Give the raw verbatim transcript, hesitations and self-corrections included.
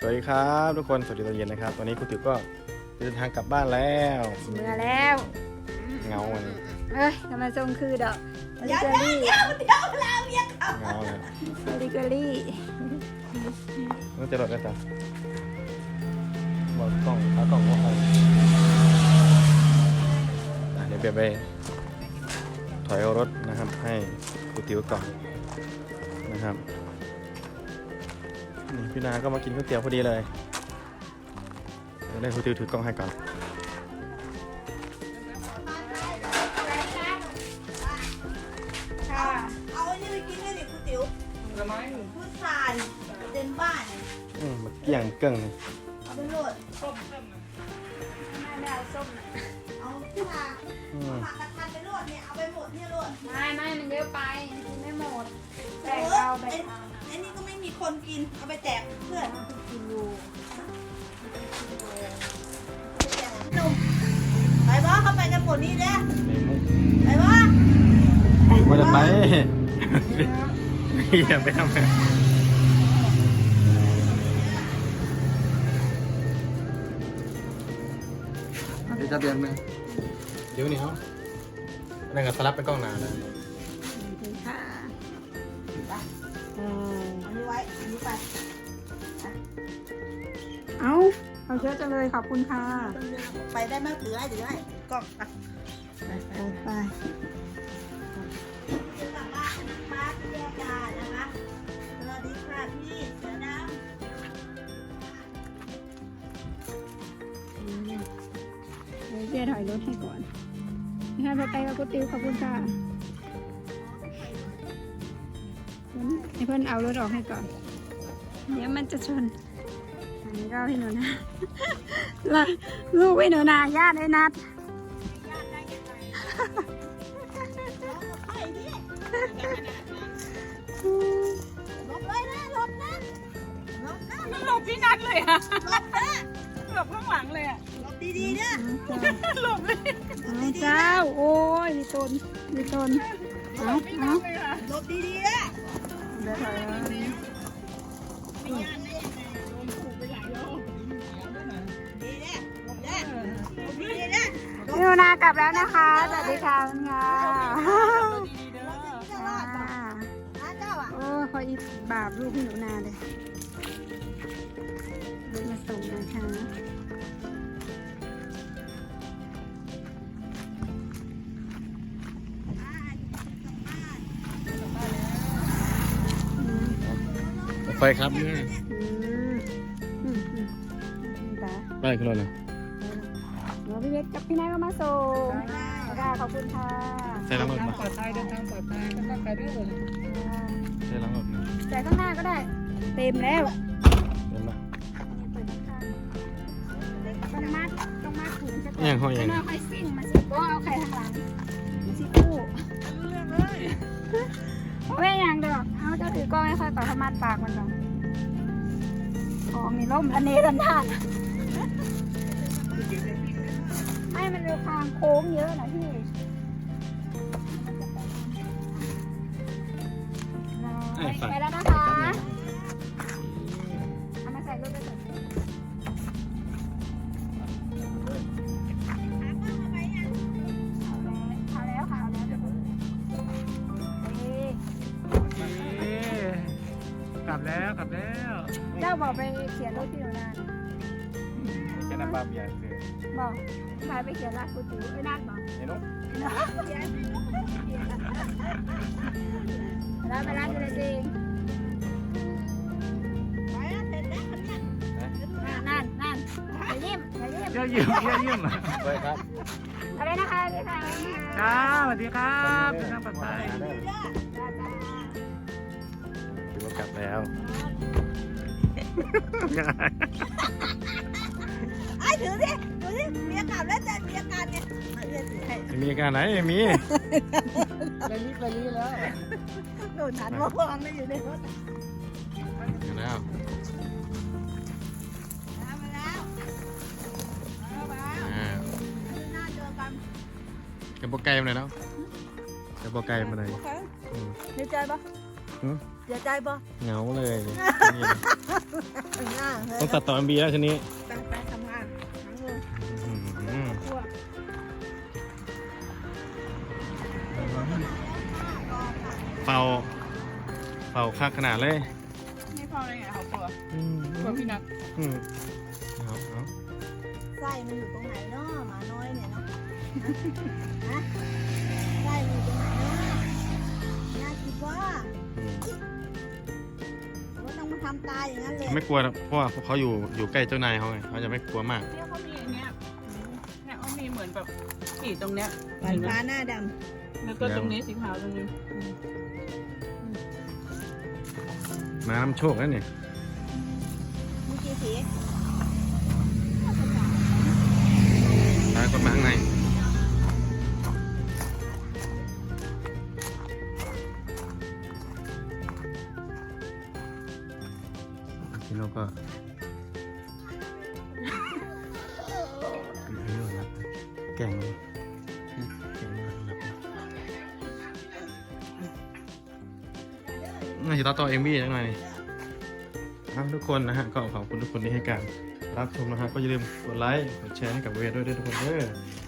วัสดีครับทุกคนสวัสดีตอนเย็นนะครับตอนนี้ครูติ๋วก็เดินทางกลับบ้านแล้วเมื่อแล้วเงาวันนี้เอ้ยทำไมทรงคือดอกบริเกอรี่เงาเลยบริเกอรี่ต้องจะรถกันจ้ะบอกกล้องขากล้องว่าใครอ่ะเดี๋ยวเบียบไปถอยเอารถนะครับให้ครูติ๋วก่อนนะครับนี่พี่นาก็มากินก๋วยเตี๋ยวพอดีเลยเดี๋ยวให้ครูติ๋วถือกล้องให้ก่อนค่ะเอาไอ้นี่ไปกินด้วยดิคุณติ๋วทำไมพุทรานเดินบ้านเนี่ยอืมมันเกี่ยงเกิ่งเอาไปโหลดไม่ไม่เอาส้มนะเอาที่มาอืมผักกระทันไปโหลดเนี่ย เอาไปหมดเนี่ยโหลดไม่ไม่มันเยอะไปกินไม่หมดเอแบ่งอเอาแบ่ไอ้งเอาไอ้นี่ก็ไม่มีคนกิน เอาไปแจกเพื่อนกินอยู่หนุ่มไปบ้าเข้าไปกันหมดนี่เด้อในมุกไปบ้าว่าจะไปอย่าไปทำเลยเดี๋ยวจะเบียนไหมเดี๋ยวนี้เขาอะไรกับสลับไปกล้องหนานะค่ะอันนี้ไว้ อันนี้ไปเอาเอาเยอะจังเลยขอบคุณค่ะไปได้ไหมถือให้ถือให้กล้องไปไปไปไปเดี๋ยวกลับบ้านมาที่แยกกันนะคะสวัสดีค่ะพี่เสือดำเดี๋ยวเจ๊ถอยรถให้ก่อนให้ไปไปกับกุติ๋วขอบคุณค่ะให้เพื่อนเอารถออกให้ก่อน เดี๋ยวมันจะชนอันนี้ก็พี่หนูนะ ล่ะลูกพี่หนูนาญาติไอ้นัดไอ้นี่หลบเลยนะหลบนะหลบนะหลบพี่นัดเลยอะหลบนะหลบข้างหลังเลยอะหลบดีๆนะหลบเลยเอาเจ้า โอ้ยมีตนมีตนเอาเอาเลยอะหลบดีๆนะเดี๋ยวถอยดีนะหลบนะหลบดีๆนะพี่หนูนากลับแล้วนะคะ สวัสดีค่ะคุณค่ะจะรอดป่ะนะเจ้าอ่ะโอ้ยขออีกบาปลูกพี่หนูนาเลยลูกมาส่งนะคะไฟครับนี่อืมอืมอืมตาไปขึ้นรถเลยหนูพี่เวทกับพี่นายก็มาส่งค่ะขอบคุณค่ะใส่ล้างรถทางมาปลอดภัยเดินทางปลอดภัยแล้วก็ไปด้วยเลยใส่ล้างรถมาใส่ข้างหน้าก็ได้ เต็มแล้วเดินมาเปิดข้างต้องมัดต้องมัดถุงจะเอียงเขาเอียงไม่เอาไข่ซิ่งมาสิก็เอาไข่ข้างหลังมาสิคู่เรื่องเลยไม่อย่างดอกเอาเจ้าถือกล้องให้ค่อยก่อนเขามัดปากมันก่อนของมีร่มอันนี้รันทานไม่มันเร็วทางโค้งเยอะนะพี่ไปแล้วนะคะเอามาใส่รถไปก่อนเอาแล้วค่ะเอาแล้วเดี๋ยวนี่กลับแล้วกลับแล้วเจ้าบอกไปเขียนรถพี่หนูนานแค่น้ำปลาเบียร์เสือบอกพาไปเขียนรักกูติ๋วไอ้นัดบอกเห็นไหมแล้วไปร้านอะไรจริงไปแล้วเสร็จแล้วเนี่ยนั่นนั่นอย่ายิ้มอย่ายิ้มเยี่ยมเยี่ยมเยี่ยมเยี่ยมไปครับอะไรนะคะพี่ค่ะจ้าสวัสดีครับเดินทางปลอดภัยจ้าจ้าถือว่ากลับแล้วไอ้ถือสิถือสิเมียกลับแล้วจะเมียการเนี่ยเอาเมียถือให้ไม่มีการไหนไม่มีไปรีบไปรีบแล้วโดนฉันมาวางไม่อยู่ในรถกันแล้วมาแล้วมาแล้วอ่าหน้าเจอกันกับโปรไกลมาเลยแล้วกับโปรไกลมาเลยโอเคอืมดีใจปะอืมเสียใจบ่เหงาเลยนี่ง่าเฮ้ต้องตัดต่อเอ็มบีแล้วทีนี้ตั้งใจทำงานหาเงินอืมพวกเป่าเป่าคักขนาดเลยไม่พอเลยไงเขากลัวอืมกลัวพี่นัทอืมเอาเอาไส้มันอยู่ตรงไหนเนาะหมาน้อยเนี่ยเนาะฮะไส้มันอยู่ตรงไหนเนาะน่าคิดว่าอืมว่าต้องมาทำตายอย่างนั้นเลยไม่กลัวหรอกเพราะว่าเขาอยู่อยู่ใกล้เจ้านายเขาไงเขาจะไม่กลัวมากเนี่ยเขามีอันเนี้ยเนี่ยเขามีเหมือนแบบสีตรงเนี้ยหวานฟ้าหน้าดแล้วก็ตรงนี้สีขาวตรงนี้มาน้ำโชคแล้วเนี่ยำมีกี่สีตายคนมาข้างในพี่โนก็แก่งเลยแก่งเลยน่าจะต่อต่อเอ็มวีจังหน่อยครับทุกคนนะฮะก็ขอบคุณทุกคนที่ให้การรับชมนะฮะก็อย่าลืมกดไลค์กดแชร์ให้กับเวทด้วยด้วยทุกคนเด้อ